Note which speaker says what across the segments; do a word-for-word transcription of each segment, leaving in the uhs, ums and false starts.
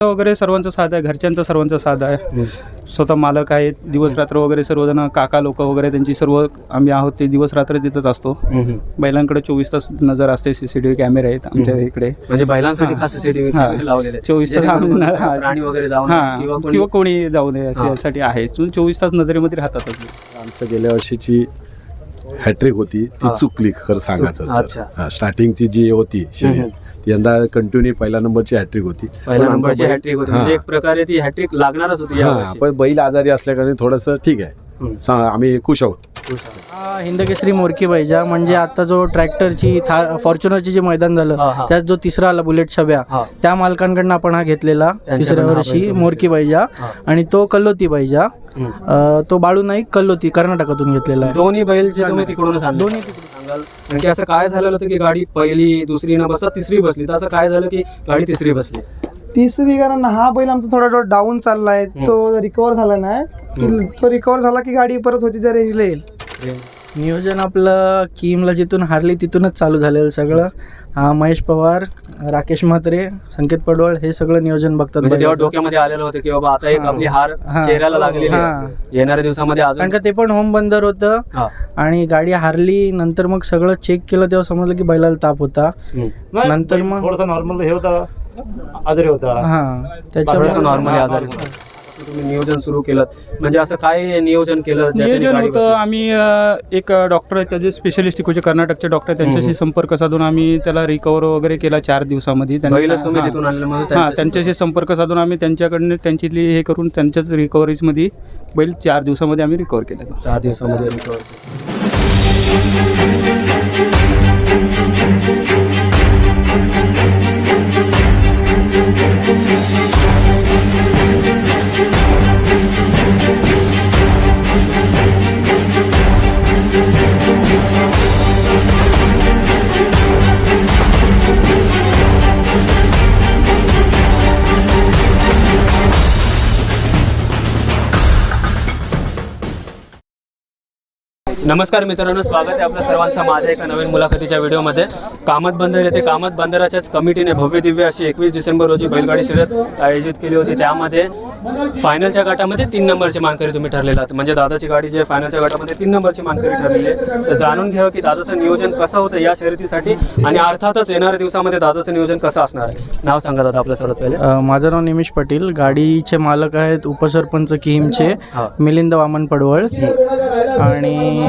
Speaker 1: वगैरे सर्वांचा साथ आहे, घरच्यांचा सर्वांचा साथ आहे. स्वतः मालक आहेत, दिवस रात्र वगैरे सर्वजण काका लोक वगैरे त्यांची सर्व आम्ही आहोत ते दिवस रात्र तिथंच असतो. बैलांकडे चोवीस तास नजर असते, सीसीटीव्ही कॅमेरे आहेत आमच्या इकडे.
Speaker 2: म्हणजे बैलांसाठी खास सीसीटीव्ही लावलेले
Speaker 1: चोवीस तास
Speaker 2: प्राणी वगैरे जाऊ नये
Speaker 1: किंवा कोणी जाऊ नये यासाठी आहे. चोवीस तास नजरेमध्ये राहतातच.
Speaker 3: आमचं गेल्या वर्षीची हॅट्रिक होती ती चुकली खरं सांगायचं तर. स्टार्टिंगची जी होती शर्यत यंदा कंटिन्यू पहिल्या नंबरची हॅट्रिक होती.
Speaker 2: पहिल्या नंबरची हॅट्रिक होती म्हणजे एक प्रकारे ती हॅट्रिक लागणारच होती यावर्षी.
Speaker 3: पण बैल आजारी असल्याकारणे थोडंसं ठीक आहे, आम्ही खुश आहोत.
Speaker 4: हिंदकेसरी मोरकी बैजा म्हणजे आता जो ट्रॅक्टरची फॉर्च्युनरची जे मैदान झालं त्यात जो तिसरा आला बुलेट छब्या, त्या मालकांकडनं आपण हा घेतलेला तिसऱ्या वर्षी मोरकी बैजा. आणि तो कल्लोती बैजा, तो बाळू नाईक कल्लोती कर्नाटकातून घेतलेला आहे.
Speaker 2: दोन्ही बैल जे तुम्ही तिकडूनच आणले,
Speaker 4: दोन्ही तिकडून.
Speaker 2: कारण की असं काय झालेलं होतं की गाडी पहिली दुसरी न बसता तिसरी बसली, तर असं काय झालं की गाडी तिसरी बसली.
Speaker 5: तिसरी कारण हा बैल आमचा थोडा थोडा डाऊन चाललाय, तो रिकवर झाला नाही. तो रिकवर झाला की गाडी परत होती त्या रेंजला येईल.
Speaker 4: नियोजन आपलं किमला जिथून हारली तिथूनच चालू झालेलं सगळं. हा महेश पवार, राकेश म्हात्रे, संकेत पडवळ हे सगळं नियोजन बघतात.
Speaker 2: तेव्हा डोक्यामध्ये आलेलं होतं की बाबा आता एक आपली हार चेहऱ्याला लागलेली आहे, येणाऱ्या दिवसामध्ये अजून.
Speaker 4: कारण का ते पण होम बंदर होतं आणि गाडी हारली. नंतर मग सगळं चेक केलं तेव्हा समजलं की बैलाला ताप होता. नंतर मग
Speaker 6: थोडासा नॉर्मल हे होता, आजारी होता.
Speaker 4: हा त्याच्यामुळे
Speaker 2: नॉर्मली आजारी होता. तुम्ही नियोजन सुरू केलं म्हणजे असं काय नियोजन केलं?
Speaker 1: नियोजन होतं आम्ही एक डॉक्टर आहेत त्याचे स्पेशलिस्ट इकडचे कर्नाटकचे डॉक्टर, त्यांच्याशी संपर्क साधून आम्ही त्याला रिकवर वगैरे केला चार दिवसामध्ये. हां, त्यांच्याशी संपर्क साधून आम्ही त्यांच्याकडनं त्यांच्यातली हे करून त्यांच्याच रिकव्हरीजमध्ये बैल चार दिवसामध्ये आम्ही रिकवर केला.
Speaker 2: चार दिवसामध्ये रिकवर. नमस्कार मित्रांनो, स्वागत आहे आपल्या सर्वांचं माझ्या एका नवीन मुलाखतीच्या व्हिडिओमध्ये. कामत बंदर येथे कामत बंदराच्याच कमिटीने भव्य दिव्य अशी एकवीस डिसेंबर रोजी बैलगाडी शर्यत आयोजित केली होती. त्यामध्ये फायनलच्या गटामध्ये तीन नंबरची मानकरी तुम्ही ठरलेला आहात. म्हणजे दादाची गाडी जे फायनलच्या गटामध्ये तीन नंबरची मानकरी ठरलेली आहे. तर जाणून घ्यावं की दादाचं नियोजन कसं होतं या शर्यतीसाठी आणि अर्थातच येणाऱ्या दिवसामध्ये दादाचं नियोजन कसं असणार आहे. नाव सांगा दादा आपल्या सर्वात पहिले.
Speaker 4: माझं नाव निमिष पाटील. गाडीचे मालक आहेत उपसरपंच किमचे मिलिंद वामन पडवळ आणि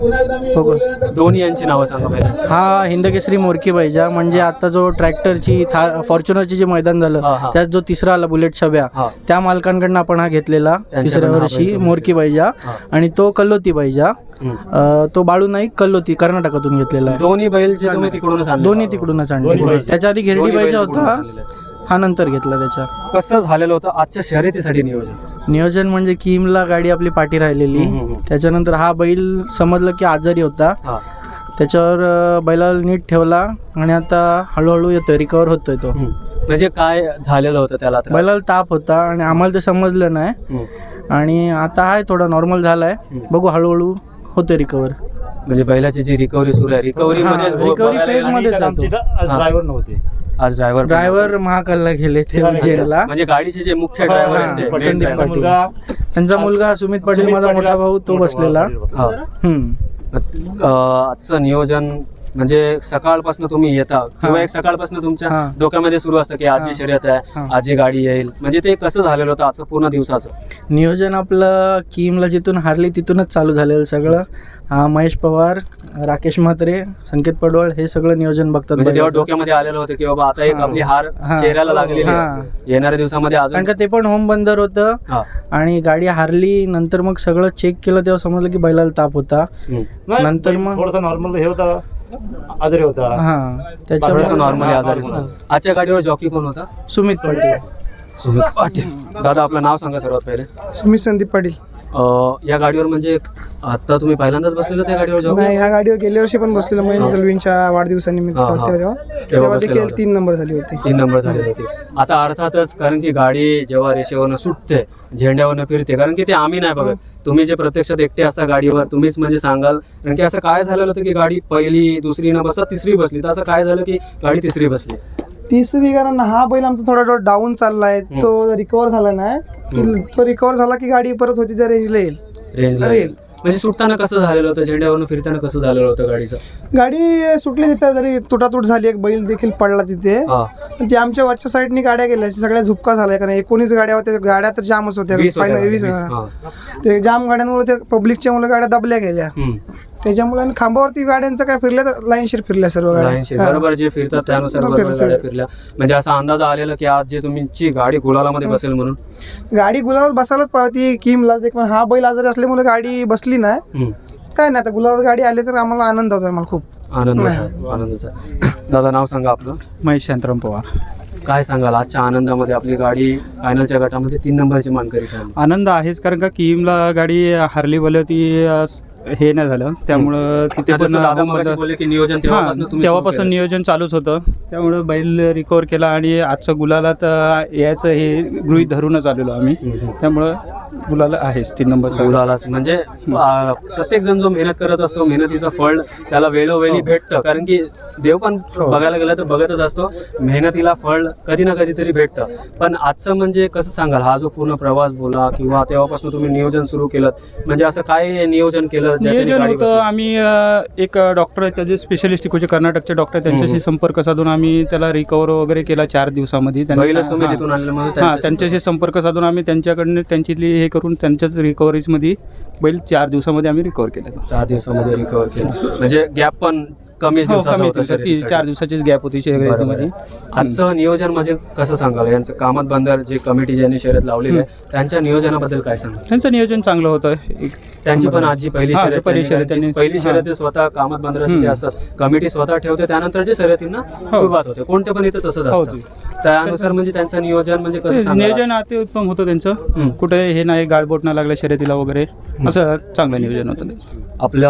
Speaker 2: दोन्ही यांची नावं सांगा पहिले.
Speaker 4: हा हिंदकेसरी मोरकी बैजा म्हणजे आता जो ट्रॅक्टरची फॉर्च्युनरची जे मैदान झालं त्यात जो तिसरा आला बुलेट छब्या, त्या मालकांकडनं आपण हा घेतलेला तिसऱ्या वर्षी मोरकी बैजा. आणि तो कल्लोती बैजा, तो बाळू नाईक कल्लोती कर्नाटकातून घेतलेला आहे.
Speaker 2: दोन्ही बैल जे तुम्ही तिकडूनच आणले,
Speaker 4: दोन्ही तिकडूनच आणले. त्याच्या आधी घेरडी बैजा होता, हा नंतर घेतला. त्याच्या
Speaker 2: कसं झालेलं होतं आजच्या शर्यतीसाठी नियोजन?
Speaker 4: नियोजन म्हणजे किमला गाडी आपली पाठी राहिलेली, त्याच्यानंतर हा बैल समजलं की आजारी होता, त्याच्यावर बैलाला नीट ठेवला आणि आता हळूहळू येतोय, रिकवर होतोय तो.
Speaker 2: म्हणजे काय झालेलं होतं त्याला?
Speaker 4: बैलाला ताप होता आणि आम्हाला ते समजलं नाही आणि आता आहे थोडा नॉर्मल झालाय. बघू हळूहळू होतोय रिकवर.
Speaker 2: म्हणजे बैलाची जी रिकव्हरी सुरू आहे, रिकव्हरी
Speaker 4: रिकव्हरी फेज मध्ये
Speaker 6: ड्रायव्हर नव्हते
Speaker 2: आज. ड्रायव्हर
Speaker 4: ड्रायव्हर महाकालला गेले ते उज्जैनला.
Speaker 2: म्हणजे गाडीचे जे मुख्य ड्रायव्हर आहेत
Speaker 4: संदीप पाटील, त्यांचा मुलगा सुमित पाटील माझा मोठा भाऊ तो बसलेला. हम्म
Speaker 2: आजचं नियोजन म्हणजे सकाळपासून तुम्ही येता किंवा एक सकाळपासून तुमच्या डोक्यामध्ये सुरू असतं की आजची शर्यत आहे, आजची गाडी येईल, म्हणजे ते कसं झालेलं होतं आजचं पूर्ण दिवसाचं
Speaker 4: नियोजन? आपलं किमला जिथून हारली तिथूनच चालू झालेलं सगळं. हा महेश पवार, राकेश म्हात्रे, संकेत पडवळ हे सगळं नियोजन बघतात.
Speaker 2: तेव्हा डोक्यामध्ये आलेलं होतं की बाबा आता एक आपली हार चेहऱ्याला लागलेली आहे, येणाऱ्या दिवसामध्ये अजून.
Speaker 4: कारण का ते पण होम बंदर होतं आणि गाडी हारली. नंतर मग सगळं चेक केलं तेव्हा समजलं की बैलाला ताप होता. नंतर मग
Speaker 6: थोडासा नॉर्मल हे होता, आजारी होता.
Speaker 4: हा त्याच्यामुळे
Speaker 2: नॉर्मली आजारी होता. आजच्या गाडीवर जॉकी कोण होता?
Speaker 4: सुमित पाटील.
Speaker 2: सुमित पाटील. दादा आपलं नाव सांगा सर्वात पहिले.
Speaker 5: सुमित संदीप पाटील.
Speaker 2: या गाडीवर म्हणजे आता तुम्ही पहिल्यांदाच बसलेलं त्या गाडीवर? जॉकी
Speaker 5: नाही, ह्या गाडीवर गेल्या वर्षी पण बसलेलं महेंद्र दलवींच्या वाढदिवसानिमित्त तेव्हा तेव्हा देखील तीन नंबर झाली होती.
Speaker 2: तीन नंबर झाली होती. आता अर्थातच कारण की गाडी जेव्हा रेषेवरनं सुटते, झेंड्यावरनं फिरते, कारण की ते आम्ही नाही बघत, तुम्ही जे प्रत्यक्षात एकटे असता गाडीवर तुम्हीच म्हणजे सांगाल. कारण की असं काय झालेलं होतं की गाडी पहिली दुसरी न बसता तिसरी बसली, तर असं काय झालं की गाडी तिसरी बसली?
Speaker 5: तिसरी कारण हा बैल आमचा थोडा थोडा डाऊन चाललाय, तो रिकवर झाला नाही की तो रिकवर झाला की गाडी परत होती त्या रेंजला येईल.
Speaker 2: रेंजला येईल. म्हणजे सुटताना कसं झालेलं होतं, झेंड्यावरून फिरताना कसं झालेलं होतं गाडीचं?
Speaker 5: गाडी सुटली तिथे, जरी तुटातूट झाली, एक बैल देखील पडला तिथे.
Speaker 2: हा.
Speaker 5: पण ते आमच्या वरच्या साईडनी गाड्या गेल्या, सगळ्या झुपका झाल्या, कारण एकोणीस गाड्या होत्या, गाड्या तर जामच होत्या.
Speaker 2: वीस होत्या,
Speaker 5: फायनल वीस
Speaker 2: वीस,
Speaker 5: हा.
Speaker 2: हा.
Speaker 5: ते जाम गाड्यांमुळे ते पब्लिकच्या मुळे गाड्या दबल्या गेल्या.
Speaker 2: हम्म.
Speaker 5: त्याच्यामुळे आणि खांबावरती गाड्यांचं काय फिरल्या तर लाईनशीर फिरल्या सर्व
Speaker 2: लाईनशीर.
Speaker 5: गाड्या.
Speaker 2: बरोबर, जे फिरतात त्यानुसार
Speaker 5: हा.
Speaker 2: बरोबर
Speaker 5: फिर-
Speaker 2: गाड्या फिरल्या. म्हणजे असा अंदाज आलेला की आज जे तुमची गाडी गुलालामध्ये बसेल म्हणून.
Speaker 5: गाडी गुलाबात बसायलाच पाहिजे किमला, पण हा बैल आजारी असल्यामुळे गाडी बसली नाही.
Speaker 2: हम्म.
Speaker 5: काय नाही, आता गुलाबात गाडी आली तर आम्हाला आनंद होतो, आम्हाला खूप.
Speaker 2: आनंद आनंदचा. दादा, नाव सांगा आपलं.
Speaker 1: महेश शांताराम पवार.
Speaker 2: काय सांगाल आजच्या आनंदामध्ये? आपली गाडी फायनलच्या गटामध्ये तीन नंबरची मानकरी ठरली.
Speaker 1: आनंद आहेच, कारण का किमला गाडी हारली बोल ती अ, हे नाही झालं, त्यामुळं तिथे
Speaker 2: आता
Speaker 1: पण
Speaker 2: जसं दादा मगाशी बोलले की नियोजन तेव्हापासून
Speaker 1: हां,
Speaker 2: तुम्ही
Speaker 1: तेव्हापासून
Speaker 2: सुरू केलं.
Speaker 1: नियोजन चालूच होतं, त्यामुळे बैल रिकवर केला आणि आजचं गुलालात अ, यायचं हे गृहीत धरूनच आलेलो आम्ही.
Speaker 2: हम्म.
Speaker 1: त्यामुळं गुलाला आहेच तीन नंबरचा.
Speaker 2: गुलालाच म्हणजे प्रत्येक जण जो मेहनत करत असतो, मेहनतीचं फळ त्याला वेळोवेळी भेटतं. कारण की देव पण बघायला गेलं तर बघतच असतो, मेहनतीला फळ कधी ना कधीतरी भेटतं. पण आजचं म्हणजे कसं सांगाल, हा जो पूर्ण प्रवास बोला किंवा तेव्हापासून तुम्ही नियोजन सुरू केलं, म्हणजे असं काय नियोजन केलं ज्याच्याने
Speaker 1: नियोजन
Speaker 2: गाडी
Speaker 1: होतं,
Speaker 2: बसली?
Speaker 1: आम्ही अ, एक डॉक्टर आहेत त्याचे स्पेशलिस्ट इकोचे कर्नाटकचे डॉक्टर, त्यांच्याशी संपर्क साधून आम्ही त्याला रिकवर वगैरे केला चार दिवसामध्ये. त्यांनी-
Speaker 2: पहिलंच तुम्ही
Speaker 1: हां.
Speaker 2: तिथून आणलं म्हणून
Speaker 1: हां,
Speaker 2: त्यांच्याशी-
Speaker 1: त्यांच्याशी संपर्क साधून आम्ही त्यांच्याकडनं त्यांच्यातली हे करून त्यांच्याच रिकव्हरीजमध्ये बैल चार दिवसामध्ये आम्ही रिकवर केला.
Speaker 2: चार दिवसामध्ये रिकवर केलं, म्हणजे गॅप पण कमी
Speaker 1: हो,
Speaker 2: दिवसाचा
Speaker 1: कमी
Speaker 2: होता
Speaker 1: दिवसात, ती
Speaker 2: शर्यतीसाठी.
Speaker 1: चार दिवसाचीच गॅप होती शर्यतीमध्ये.
Speaker 2: आजचं नियोजन म्हणजे कसं सांगाल? यांचं कामत बंदर जे कमिटी ज्यांनी शर्यत लावलेली आहे त्यांच्या नियोजनाबद्दल काय सांगाल?
Speaker 1: त्यांचं नियोजन चांगलं होतं. एक
Speaker 2: त्यांची पण आजची पहिली
Speaker 1: हां,
Speaker 2: शर्यत
Speaker 1: पहिली
Speaker 2: त्यांनी-
Speaker 1: शर्यत त्यांनी-
Speaker 2: पहिली
Speaker 1: हां.
Speaker 2: शर्यत स्वतः कामत बंदराचे जे असतात कमिटी स्वतः ठेवते, त्यानंतर जे शर्यतींना सुरुवात होते. कोणते पण इथं तसंच
Speaker 1: हो,
Speaker 2: असतं. त्यानुसार म्हणजे त्यांचं नियोजन म्हणजे कसं सांगाल?
Speaker 1: नियोजन अति उत्तम होतं त्यांचं. कुठे हे नाही, गाळबोट नाही लागलं शर्यतीला वगैरे, असं चांगलं नियोजन होतं.
Speaker 2: आपल्या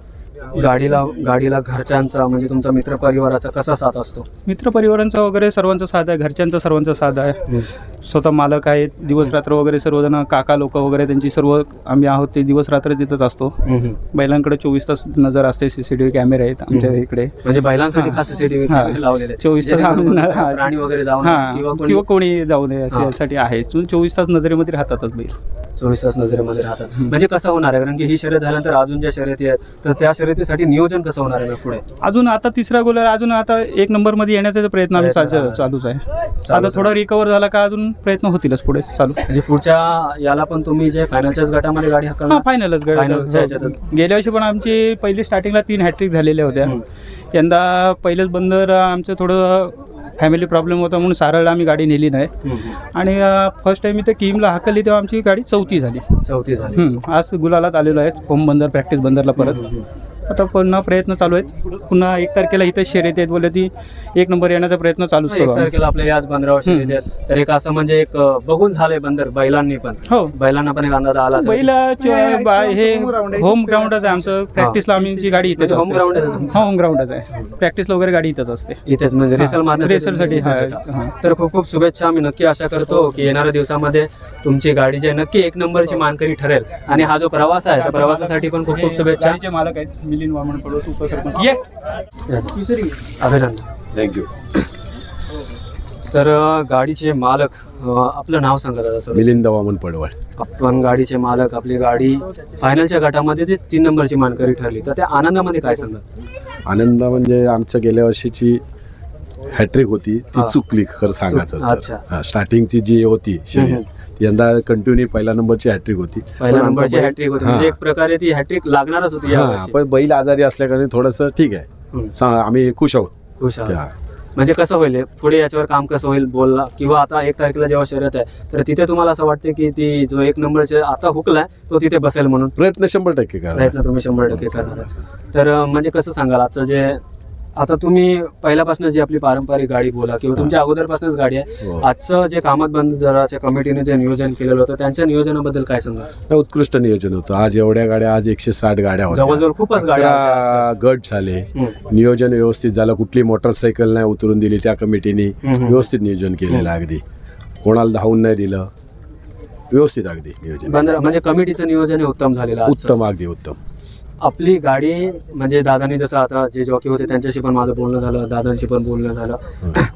Speaker 2: गाडीला गाडीला घरच्यांचा म्हणजे तुमचा मित्र परिवाराचा कसा साथ असतो?
Speaker 1: मित्रपरिवारांचा वगैरे सर्वांचा साथ आहे, घरच्यांचा सर्वांचा साथ आहे. स्वतः मालक आहेत, दिवस रात्र वगैरे सर्वजण, काका लोक वगैरे त्यांची सर्व आम्ही आहोत ते दिवस रात्र तिथंच असतो. बैलांकडे चोवीस तास नजर असते, सीसीटीव्ही कॅमेरे आहेत आमच्या इकडे.
Speaker 2: म्हणजे बैलांसाठी
Speaker 1: हां.
Speaker 2: खास सीसीटीव्ही
Speaker 1: हां.
Speaker 2: लावलेले
Speaker 1: चोवीस तास
Speaker 2: जेणेकरून
Speaker 1: आम्ही-
Speaker 2: कोणता प्राणी वगैरे जाऊ नये
Speaker 1: हां,
Speaker 2: किंवा कोणी
Speaker 1: किंवा कोणी जाऊ नये
Speaker 2: हां.
Speaker 1: यासाठी आहे. चोवीस तास नजरेमध्ये राहतातच बैल.
Speaker 2: चोवीस तास नजरेमध्ये राहतात. म्हणजे कसं होणार आहे, कारण की ही शर्यत झाल्यानंतर अजून ज्या शर्यती आहेत तर त्या शर्यतीसाठी नियोजन कसं होणार आहे पुढे?
Speaker 1: अजून आता तिसरा गोलर, अजून आता एक नंबर मध्ये येण्याचा प्रयत्न आम्ही
Speaker 2: प्रयत्न
Speaker 1: चा-
Speaker 2: आहे.
Speaker 1: चालूच आहे.
Speaker 2: चालूच
Speaker 1: आता
Speaker 2: आहे.
Speaker 1: थोडा रिकवर झाला का अजून प्रयत्न होतीलच पुढे चालू.
Speaker 2: म्हणजे पुढच्या याला पण तुम्ही जे फायनलच्याच गटामध्ये गाडी
Speaker 1: हा,
Speaker 2: हकलणार?
Speaker 1: फायनलच
Speaker 2: फायनलच्या ह्याच्यातच.
Speaker 1: गेल्या वर्षी पण आमची पहिली स्टार्टिंगला तीन हॅट्रिक झालेल्या होत्या.
Speaker 2: हम्म.
Speaker 1: यंदा पहिलेच बंदर आमचं थोडं फॅमिली प्रॉब्लेम होता म्हणून सारळ आम्ही गाडी नेली नाही.
Speaker 2: हम्म.
Speaker 1: आणि फर्स्ट टाइम इथे किमला हाकलली तेव्हा आमची गाडी चौथी झाली.
Speaker 2: चौथी झाली.
Speaker 1: हम्म. आज गुलालात आलेलो आहे, होम बंदर प्रॅक्टिस बंदरला परत. आता पुन्हा प्रयत्न चालू आहेत. पुन्हा एक तारखेला इथं शर्यत आहेत बोलले, ती एक नंबर येण्याचा प्रयत्न चालूच
Speaker 2: एक
Speaker 1: करू आम्ही.
Speaker 2: तारखेला आपल्या याच बंदरावर शर्यती आहेत. तर एक असं म्हणजे एक अं, बघून झालंय बंदर बैलांनी पण.
Speaker 1: हो,
Speaker 2: बैलांना पण एक अंदाज आला असेल.
Speaker 1: पहिला
Speaker 5: नाही,
Speaker 1: बा- हे
Speaker 5: home ground आहे.
Speaker 1: होम ग्राउंडच आहे आमचं. प्रॅक्टिसला आमची गाडी इथेच
Speaker 2: म्हणजे
Speaker 1: असते.
Speaker 2: home ground आहे तुमचं?
Speaker 1: हा, होम ग्राउंडच आहे. प्रॅक्टिसला वगैरे गाडी इथंच असते.
Speaker 2: इथेच म्हणजे रेसल
Speaker 1: हां,
Speaker 2: मारण्यासाठी
Speaker 1: रेसलसाठी,
Speaker 2: इथेच
Speaker 1: हां,
Speaker 2: येतात.
Speaker 1: हां.
Speaker 2: तर खूप खूप शुभेच्छा. आम्ही नक्की आशा करतो की येणाऱ्या दिवसामध्ये तुमची गाडी जे नक्की एक नंबरची मानकरी ठरेल. आणि हा जो प्रवास आहे त्या प्रवासासाठी पण खूप खूप शुभेच्छा.
Speaker 1: गाडीचे मालक आहेत मिलिंद वामन पडवळ, उपसरपंच. ये.
Speaker 2: अभिनंदन.
Speaker 3: थँक्यू.
Speaker 2: तर अं, गाडीचे मालक, अं, आपलं नाव सांगा दादा सर.
Speaker 3: मिलिंद वामन पडवळ.
Speaker 2: आपण गाडीचे मालक, आपली गाडी फायनलच्या गटामध्ये जी तीन नंबरची मानकरी ठरली, तर त्या आनंदामध्ये काय सांगा?
Speaker 3: आनंद म्हणजे आमच्या गेल्या वर्षीची हॅट्रिक होती ती
Speaker 2: हा.
Speaker 3: चुकली खरं सांगायचं
Speaker 2: अच्छा.
Speaker 3: तर. हा, स्टार्टिंगची जी होती शर्यत ती यंदा कंटिन्यू पहिल्या नंबरची हॅट्रिक होती.
Speaker 2: पहिल्या
Speaker 3: पण आमचा
Speaker 2: नंबरची
Speaker 3: बैल-
Speaker 2: हॅट्रिक होती,
Speaker 3: हा.
Speaker 2: म्हणजे एक प्रकारे ती हॅट्रिक लागणारच होती
Speaker 3: हा,
Speaker 2: यावर्षी.
Speaker 3: पण बैल आजारी असल्याकारणे थोडंसं ठीक आहे.
Speaker 2: हम्म.
Speaker 3: सा- आम्ही खुश आहोत.
Speaker 2: खुश आहात.
Speaker 3: त्या-
Speaker 2: म्हणजे कसं होईल पुढे याच्यावर काम कसं होईल बोलला, किंवा आता एक तारखेला जेव्हा शर्यत आहे तर तिथे तुम्हाला असं वाटतं की ती जो एक नंबरचे आता हुकलाय तो तिथे बसेल म्हणून
Speaker 3: प्रयत्न शंभर टक्के करा.
Speaker 2: प्रयत्न तुम्ही शंभर टक्के करणार आहे. तर अं, म्हणजे कसं सांगाल आजचं जे आता तुम्ही पहिल्यापासून जी आपली पारंपरिक गाडी बोला किंवा तुमच्या अगोदरपासूनच गाडी आहे,
Speaker 3: हो.
Speaker 2: आजचं जे कामात बंदराच्या कमिटीने जे नियोजन केलेलं होतं त्यांच्या नियोजनाबद्दल काय सांगा?
Speaker 3: उत्कृष्ट नियोजन होतं. आज एवढ्या गाड्या, आज एकशे साठ गाड्या होत्या.
Speaker 2: जवळजवळ खूपच गाड्या होत्या
Speaker 3: अकरा गट झाले.
Speaker 2: हम्म.
Speaker 3: नियोजन व्यवस्थित झालं. कुठली मोटरसायकल नाही उतरून दिली त्या कमिटीने.
Speaker 2: हम्म.
Speaker 3: व्यवस्थित नियोजन केलेलं अगदी. कोणाला धावून नाही दिलं. व्यवस्थित अगदी नियोजन.
Speaker 2: बंदर म्हणजे कमिटीचं नियोजन हे उत्तम झालेलं आहे आजचं.
Speaker 3: उत्तम, अगदी उत्तम.
Speaker 2: आपली गाडी म्हणजे दादानी जसं आता जे जॉकी होते त्यांच्याशी पण माझं बोलणं झालं, दादांशी पण बोलणं झालं.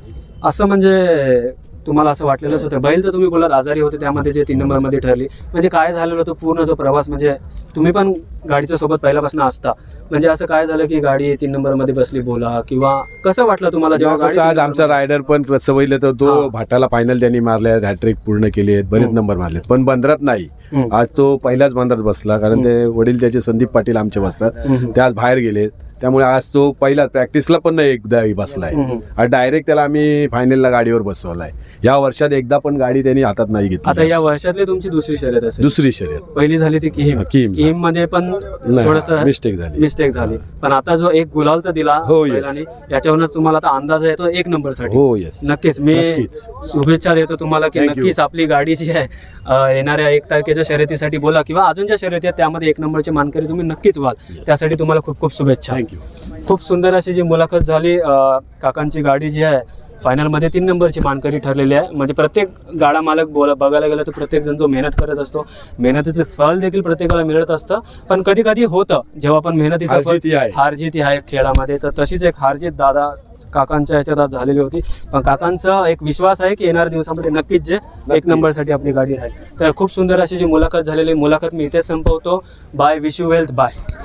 Speaker 2: असं म्हणजे तुम्हाला असं वाटलेलंच होतं. बैल तर तुम्ही बोलात आजारी होते, त्यामध्ये जे तीन नंबरमध्ये ठरली, म्हणजे काय झालेलं होतं पूर्ण जो प्रवास, म्हणजे तुम्ही पण गाडीच्या सोबत पहिल्यापासून असता, म्हणजे असं काय झालं की गाडी तीन नंबरमध्ये बसली बोला, किंवा कसं वाटलं तुम्हाला जेव्हा
Speaker 3: कसं आज आमचा रायडर पण सवयले तर
Speaker 2: हा.
Speaker 3: तो भाटाला फायनल त्यांनी मारले, हॅट्रिक पूर्ण केली आहेत, बरेच
Speaker 2: हम्म.
Speaker 3: नंबर मारलेत, पण बंदरात नाही.
Speaker 2: हम्म.
Speaker 3: आज तो पहिल्याच बंदरात बसला, कारण ते वडील त्याचे संदीप पाटील आमचे बसतात,
Speaker 2: हम्म.
Speaker 3: ते आज बाहेर गेलेत, त्यामुळे आज तो पहिला प्रॅक्टिसला पण नाही एकदा बसलाय.
Speaker 2: हम्म.
Speaker 3: आज डायरेक्ट त्याला आम्ही फायनलला गाडीवर बसवलाय. या वर्षात एकदा पण गाडी त्यांनी हातात नाही
Speaker 2: आता
Speaker 3: घेतली.
Speaker 2: या वर्षातली तुमची दुसरी शर्यत असेल.
Speaker 3: दुसरी शर्यत
Speaker 2: पहिली झाली ती किहीम.
Speaker 3: किहीम.
Speaker 2: किहीम मध्ये पण थोडस
Speaker 3: मिस्टेक झाली.
Speaker 2: मिस्टेक झाली, पण आता जो एक गुलाल तर दिला
Speaker 3: हो, yes.
Speaker 2: बैलाने, याच्यावरून तुम्हाला आता अंदाज येतो एक नंबर साठी.
Speaker 3: हो येस
Speaker 2: नक्कीच मी
Speaker 3: नक्कीच.
Speaker 2: शुभेच्छा देतो तुम्हाला की
Speaker 3: Thank you.
Speaker 2: नक्कीच आपली गाडी जी आहे अ, येणाऱ्या एक तारखेच्या शर्यतीसाठी बोला किंवा अजून ज्या शर्यती आहेत त्यामध्ये एक नंबरचे मानकरी तुम्ही नक्कीच व्हाल. त्यासाठी तुम्हाला खूप खूप शुभेच्छा.
Speaker 3: थँक्यू.
Speaker 2: खूप सुंदर अशी जी मुलाखत झाली. अ, काकांची गाडी जी आहे फायनलमध्ये तीन नंबरची मानकरी ठरलेली आहे. म्हणजे प्रत्येक गाडा मालक बोला बघायला गेलं तर प्रत्येक जण जो मेहनत करत असतो, मेहनतीचे फळ देखील प्रत्येकाला मिळत असतं, पण कधी कधी होतं जेव्हा पण मेहनतीचं फळ
Speaker 3: हारजीती आहे.
Speaker 2: हारजीत आहे खेळामध्ये, तर तशीच एक हारजीत दादा काकांच्या ह्याच्यात आज झालेली होती. पण काकांचा एक विश्वास आहे की येणाऱ्या दिवसामध्ये नक्कीच जे एक नंबरसाठी आपली गाडी राहील. तर खूप सुंदर अशी जी मुलाखत झालेली, मुलाखत मी इथेच संपवतो. Bye, wish you wealth, bye.